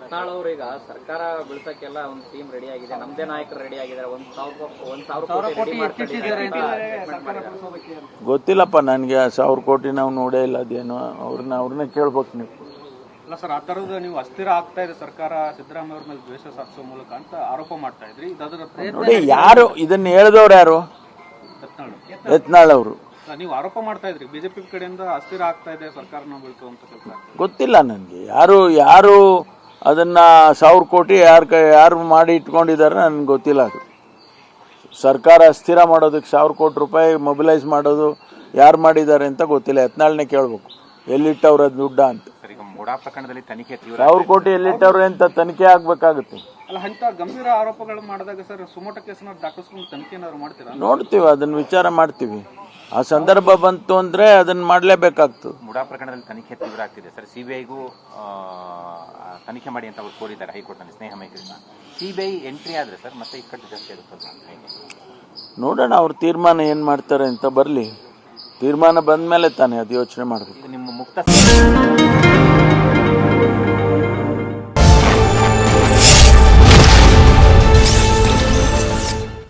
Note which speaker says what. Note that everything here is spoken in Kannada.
Speaker 1: ರತ್ನಾಳ್ ಅವರು ಈಗ ಸರ್ಕಾರ ಬೀಳ್ಸಕ್ಕೆಲ್ಲ ಒಂದು ಟೀಮ್ ರೆಡಿ ಆಗಿದೆ, ನಮ್ದೇ ನಾಯಕರು ರೆಡಿ ಆಗಿದ್ದಾರೆ, 1,000 ಕೋಟಿ
Speaker 2: ಗೊತ್ತಿಲ್ಲಪ್ಪ ನನಗೆ. 1,000 ಕೋಟಿ ನಾವು ನೋಡೇ ಇಲ್ಲ. ಅದೇನು ಅವ್ರನ್ನ ಕೇಳ್ಬೇಕು ನೀವು.
Speaker 3: ಅಲ್ಲ ಸರ್, ಆ ಥರದ ನೀವು ಅಸ್ಥಿರ ಆಗ್ತಾ ಇದೆ ಸರ್ಕಾರ ಸಿದ್ದರಾಮಯ್ಯ ಅವ್ರ ಮೇಲೆ ದ್ವೇಷ ಸಾಧಿಸೋ ಮೂಲಕ ಅಂತ ಆರೋಪ ಮಾಡ್ತಾ ಇದ್ರಿ.
Speaker 2: ನೋಡಿ, ಯಾರು ಇದನ್ನ ಹೇಳಿದವ್ರು? ಯಾರು? ಯತ್ನಾಳ್ ಅವರು.
Speaker 3: ನೀವು ಆರೋಪ ಮಾಡ್ತಾ ಇದ್ರಿ ಬಿಜೆಪಿ ಕಡೆಯಿಂದ ಅಸ್ಥಿರ ಆಗ್ತಾ ಇದೆ ಸರ್ಕಾರ ನಾವು ಬೀಳ್ಸುವಂತ ಕೆಲಸ.
Speaker 2: ಗೊತ್ತಿಲ್ಲ ನನಗೆ ಯಾರು ಅದನ್ನ 1,000 ಕೋಟಿ ಯಾರು ಮಾಡಿ ಇಟ್ಕೊಂಡಿದ್ದಾರೆ ನನಗೆ ಗೊತ್ತಿಲ್ಲ. ಅದು ಸರ್ಕಾರ ಸ್ಥಿರ ಮಾಡೋದಕ್ಕೆ 1,000 ಕೋಟಿ ರೂಪಾಯಿ ಮೊಬಿಲೈಸ್ ಮಾಡೋದು ಯಾರು ಮಾಡಿದ್ದಾರೆ ಅಂತ ಗೊತ್ತಿಲ್ಲ. ಯತ್ನಾಳ್ನೇ ಕೇಳಬೇಕು, ಎಲ್ಲಿಟ್ಟವ್ರ ದುಡ್ಡ ಅಂತ. 1,000 ಕೋಟಿ ಎಲ್ಲಿಟ್ಟವ್ರೆ ಅಂತ ತನಿಖೆ ಆಗ್ಬೇಕಾಗುತ್ತೆ.
Speaker 3: ಅಲ್ಲ, ಅಂತ ಗಂಭೀರ ಆರೋಪಗಳು ಮಾಡಿದಾಗ ಸರ್ ಸುಮೋಟ ಕೇಸನ್ನ ದಾಖಲಿಸ್ಕೊಂಡು ತನಿಖೆ ಏನಾದ್ರು ಮಾಡ್ತೀರಾ?
Speaker 2: ನೋಡ್ತೀವಿ, ಅದನ್ನ ವಿಚಾರ ಮಾಡ್ತೀವಿ. ಆ ಸಂದರ್ಭ ಬಂತು ಅಂದ್ರೆ ಅದನ್ನ ಮಾಡಲೇಬೇಕಾಗ್ತದೆ.
Speaker 4: ಮುಡಾ ಪ್ರಕರಣದಲ್ಲಿ ತನಿಖೆ ತೀವ್ರ ಆಗ್ತಿದೆ ಸರ್. ಸಿಬಿಐಗೂ ತನಿಖೆ ಮಾಡಿ ಅಂತ ಅವ್ರು ಕೋರಿದ್ದಾರೆ ಹೈಕೋರ್ಟ್ನಲ್ಲಿ, ಸ್ನೇಹ ಮೈತ್ರಿನ. ಸಿಬಿಐ ಎಂಟ್ರಿ ಆದ್ರೆ ಸರ್ ಮತ್ತೆ ಇಕ್ಕಟ್ಟು ಜಾಸ್ತಿ ಆಗುತ್ತೆ.
Speaker 2: ನೋಡೋಣ, ಅವ್ರ ತೀರ್ಮಾನ ಏನ್ ಮಾಡ್ತಾರೆ ಅಂತ. ಬರ್ಲಿ, ತೀರ್ಮಾನ ಬಂದ ಮೇಲೆ ತಾನೇ ಅದು ಯೋಚನೆ ಮಾಡಬೇಕು.
Speaker 4: ನಿಮ್ಮ ಮುಕ್ತ